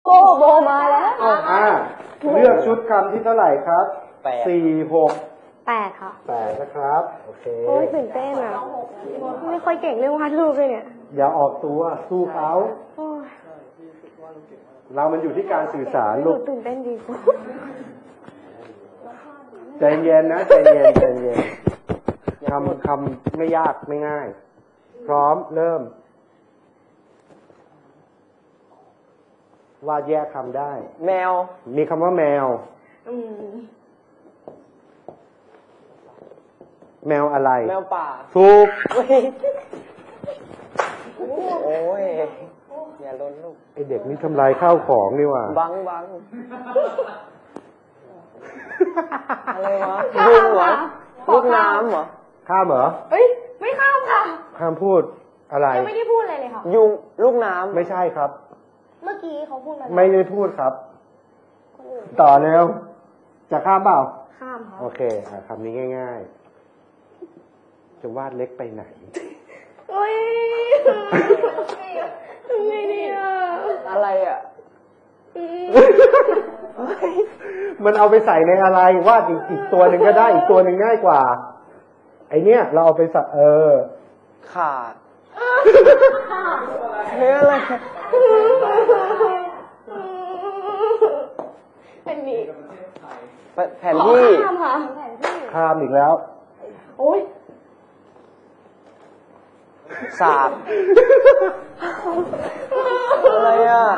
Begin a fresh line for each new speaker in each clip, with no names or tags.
โบมาแล้ว
เลือกชุดคำที่เท่าไหร่ครับ
8 ค่ะ
8นะครับโอเค
โอ้ยตื่นเต้นอ่ะไม่ค่อยเก่งเรื่องวาดรูปเลยเนี่ย
อย่าออกตัวสู้เขาเรามันอยู่ที่การสื่อสารลูก
ตื่นเต้นดี
ใจเย็นนะใจเย็นใจเย็นคำไม่ยากไม่ง่ายพร้อมเริ่มวาดแยกคำได้
แมว
มีคำว่าแมวแมวอะไร
แมวป่า
ถูก
โอ้ยอย่าล้นลูก
ไอเด็กนี่ทำลายข้าวของนี่ว่ะ
บังอะไรวะยุงเหรอลูกน้ำเหรอ
ข้ามเหรอ
เอ้ยไม่ข้ามค่ะ
ข้ามพูดอะไร
ยังไม่ได้พูดอะไรเลยค่ะ
ยุงลูกน้ำ
ไม่ใช่ครับ
เมื่อกี้เขาพูดอะไร
ไม่ได้พูดครับต่อเร็วจะข้ามเปล่า
ข้ามครับ
โอเคคำนี้ง่ายๆจะวาดเล็กไปไหน
โอ้ยทำไงดีอ่ะ
อะไรอ่ะ
มันเอาไปใส่ในอะไรวาดอีกตัวหนึ่งก็ได้อีกตัวหนึ่งง่ายกว่าไอเนี้ยเราเอาไปใส่
ขาดเฮ้ยอะไร
เป็นนี่
แผนที่
ข้ามอีกแล้ว
โอ้ย
สาบอะไรอ่ะ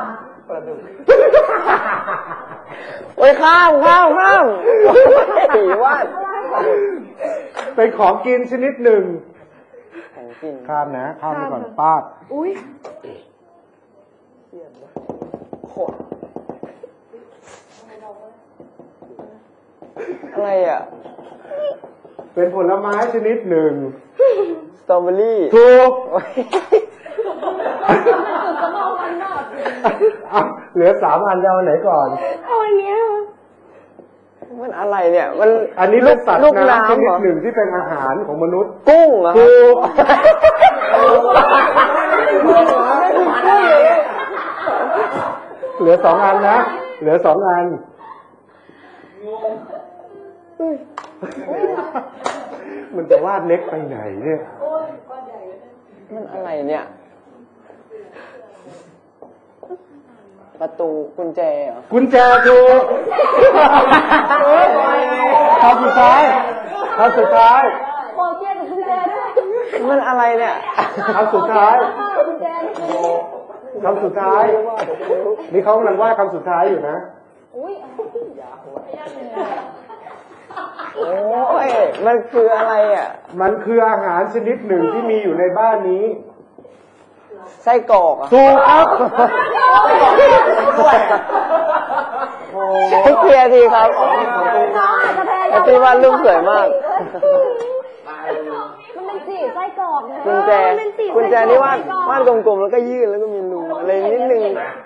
โอ้ยข้ามผีวาด
เป็นของกินชนิดหนึ่ง
ของกิน
ข้ามนะข้ามไปก่อนป้า
อุ้ย
อะไรอ่ะ
เป็นผลไม้ชนิดหนึ่ง
สตรอเบอรี่
ถูกเหลือ3 อันจะเอาไหนก่อน
เอาอันนี้
มันอะไรเนี่ยมัน
อันนี้เป็นสัตว์น้ำชนิดหนึ่งที่เป็นอาหารของมนุษย์
กุ้งเหรอ
ถูกเหลือ2 อันนะเหลือ2 อันมันจะวาดเล็กไปไหนเนี่ย
มันอะไรเนี่ยประตูกุญแจเหรอ
กุญแจถูกคำสุดท้าย
บอกเกี่ยวกับกุญแจด้วย
มันอะไรเนี่ย
คำสุดท้ายนี่เขากำลังวาดคำสุดท้ายอยู่นะ
โอ้ยมันคืออะไรอ่ะ
มันคืออาหารชนิดหนึ่งที่มีอยู่ในบ้านนี้
ไส้กรอก
ถูกครับ
เคลียร์ทีครับตีวาดรูปสวยมาก
มันเป็นสีไส้กรอกนะ
กุญแจนี่วาดกลมๆแล้วก็ยื่นแล้วก็มีรูอะไรนิดนึง